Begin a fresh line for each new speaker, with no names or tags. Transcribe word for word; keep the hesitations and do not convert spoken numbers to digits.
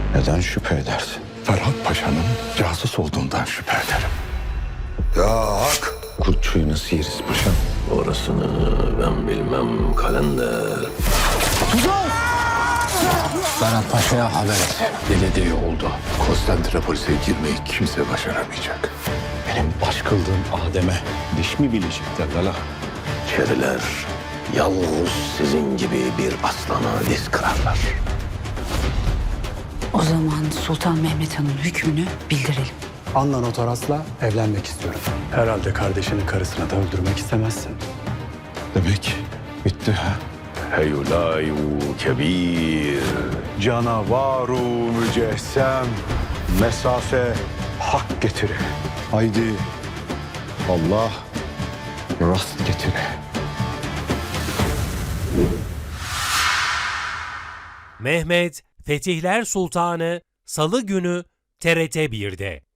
Neden şüphe edersin?
Ferhat Paşa'nın casus olduğundan şüphe ederim.
Ya hak! Kurtçuyu nasıl yeriz paşam?
Orasını ben bilmem kalender.
Ferhat Paşa'ya haber et. Dediği oldu. Konstantinopolis'e girmeyi kimse başaramayacak.
Benim baş kıldığım Adem'e diş mi bilecekler lala?
Çeriler yalnız sizin gibi bir aslana diz kırarlar.
O zaman Sultan Mehmet Han'ın hükmünü bildirelim.
Anla Notaras'la evlenmek istiyorum. Herhalde kardeşinin karısını da öldürmek istemezsin.
Demek bitti ha?
Heyulayu kebir.
Canavaru mücessem mesafe hak getire.
Haydi Allah rast getire.
Mehmet Fetihler Sultanı Salı günü T R T bir'de.